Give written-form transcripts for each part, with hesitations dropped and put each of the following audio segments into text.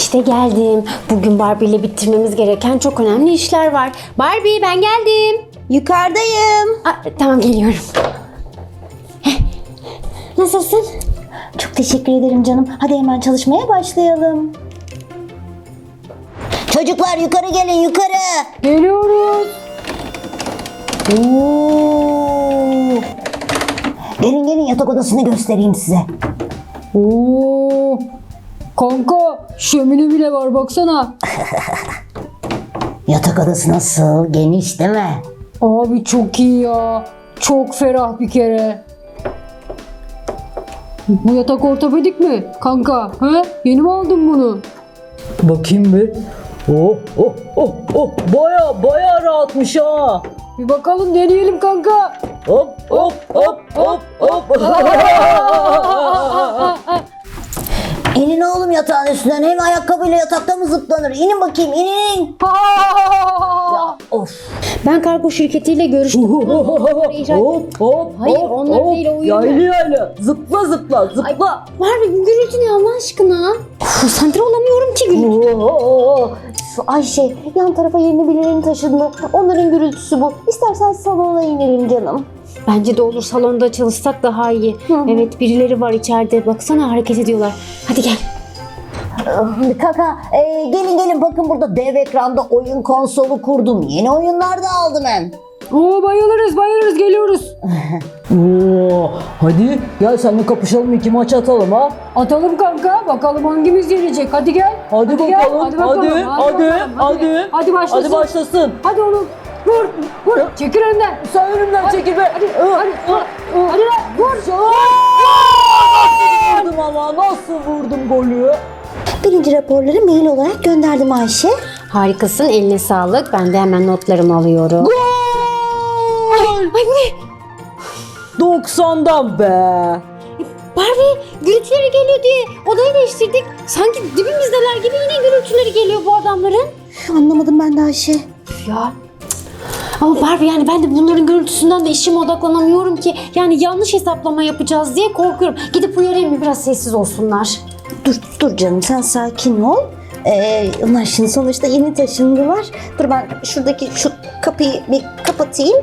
İşte geldim. Bugün Barbie ile bitirmemiz gereken çok önemli işler var. Barbie ben geldim. Yukarıdayım. Tamam geliyorum. Nasılsın? Çok teşekkür ederim canım. Hadi hemen çalışmaya başlayalım. Çocuklar yukarı gelin yukarı. Geliyoruz. Oo. Gelin yatak odasını göstereyim size. Oo, kanka şömine bile var baksana. Yatak odası nasıl? Geniş değil mi? Abi çok iyi ya. Çok ferah bir kere. Bu yatak ortopedik mi kanka? He? Yeni mi aldın bunu? Bakayım bir. Baya rahatmış ha. Bir bakalım deneyelim kanka. Hop. İnin oğlum yatağın üstünden. Hem ayakkabıyla yatakta mı zıplanır? İnin bakayım inin. Of. Ben kargo şirketiyle görüştüm. Hayır, onlar değil, o uyuyor. Yayla. Zıpla. Barbie bu gürültü ne Allah aşkına? Konsantre olamıyorum ki gürültü. Şu Ayşe yan tarafa yeni birilerinin taşındı. Onların gürültüsü bu. İstersen salona inelim canım. Bence de olur, salonda çalışsak daha iyi. Evet, birileri var içeride. Baksana hareket ediyorlar. Hadi gel. Kaka gelin bakın burada dev ekranda oyun konsolu kurdum. Yeni oyunlar da aldım hem. Oo, bayılırız geliyoruz. Hadi gel seninle kapışalım, 2 maç atalım ha. Atalım kanka, bakalım hangimiz yenecek. Hadi gel. Hadi bakalım. Hadi. Hadi başlasın. Hadi başlasın. Hadi oğlum. Vur. Çekil önden. Sen önümden çekil be. Hadi lan vur. Vurdum ama nasıl vurdum golü? Birinci raporları mail olarak gönderdim Ayşe. Harikasın, eline sağlık. Ben de hemen notlarımı alıyorum. Ay bu ne? 90'dan be. Barbie gürültüleri geliyor diye odayı değiştirdik. Sanki dibimizdeler gibi yine gürültüleri geliyor bu adamların. Anlamadım ben de Ayşe. Ya ama Barbie yani ben de bunların gürültüsünden de işime odaklanamıyorum ki. Yani yanlış hesaplama yapacağız diye korkuyorum. Gidip uyarayım mı, biraz sessiz olsunlar. Dur canım sen sakin ol. Onlar şimdi sonuçta yeni taşındılar. Dur ben şuradaki şu kapıyı bir kapatayım.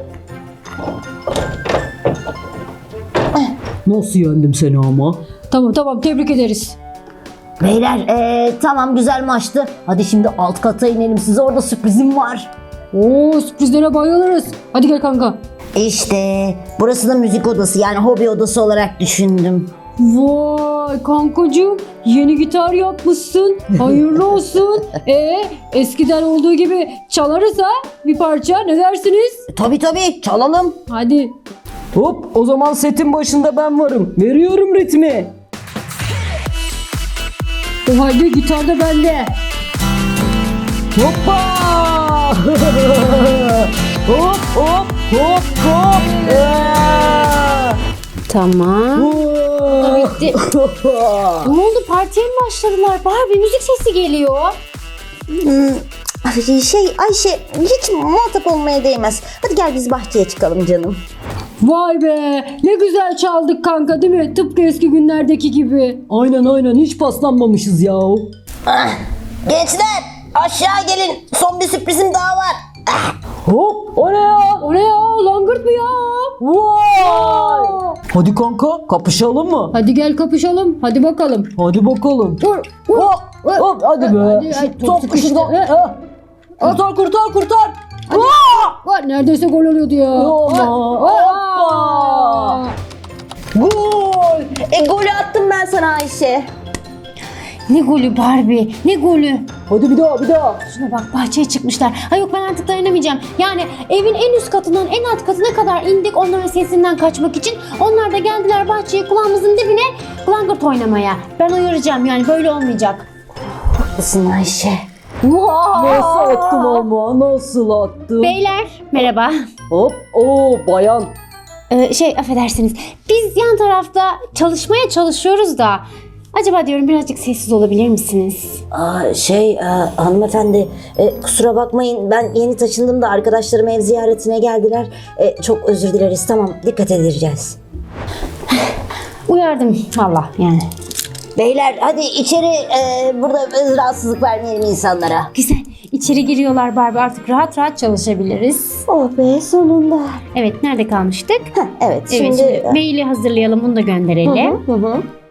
Nasıl yendim seni ama? Tamam tebrik ederiz. Beyler tamam güzel maçtı. Hadi şimdi alt kata inelim, size orada sürprizim var. Oo, sürprizlere bayılırız. Hadi gel kanka. İşte burası da müzik odası, yani hobi odası olarak düşündüm. Vay kankacığım, yeni gitar yapmışsın. Hayırlı olsun. Eskiden olduğu gibi çalarız ha bir parça, ne dersiniz? Tabii çalalım. Hadi. Hop, o zaman setin başında ben varım. Veriyorum ritmi. O halde gitar da bende. Hoppa! hop. Tamam. Bitti. Ne oldu, partiye mi başladılar? Barbie müzik sesi geliyor. Ayşe hiç muhatap olmaya değmez. Hadi gel biz bahçeye çıkalım canım. Vay be, ne güzel çaldık kanka değil mi? Tıpkı eski günlerdeki gibi. Aynen hiç paslanmamışız ya. Gençler aşağı gelin, son bir sürprizim daha var. Hop, o ne ya? O ne ya, langırt mı ya? Vay! Hadi kanka, kapışalım mı? Hadi gel kapışalım, hadi bakalım. Hadi bakalım. Vur. Hop, hadi be. Hadi, Top sıkıştı. şuradan. Kurtar. Vay, neredeyse gol oluyordu ya. Hoppa. Gol! Golü attım ben sana Ayşe. Ne golü Barbie, ne golü. Hadi bir daha. Şuna bak, bahçeye çıkmışlar. Ay yok, ben artık dayanamayacağım. Yani evin en üst katından en alt katına kadar indik onların sesinden kaçmak için. Onlar da geldiler bahçeye, kulağımızın dibine langırt oynamaya. Ben uyaracağım, yani böyle olmayacak. Haklısın Ayşe. Nasıl attım ama, nasıl attım? Beyler merhaba. Hop, bayan. Affedersiniz. Biz yan tarafta çalışmaya çalışıyoruz da. Acaba diyorum birazcık sessiz olabilir misiniz? Hanımefendi kusura bakmayın, ben yeni taşındım da arkadaşlarım ev ziyaretine geldiler. Çok özür dileriz, tamam dikkat edeceğiz. Uyardım valla yani. Beyler hadi içeri, burada rahatsızlık vermeyelim insanlara. Güzel. İçeri giriyorlar Barbie. Artık rahat rahat çalışabiliriz. Oh be, sonunda. Evet, nerede kalmıştık? Evet, Evet, şimdi... şimdi maili hazırlayalım, bunu da gönderelim. Hı hı.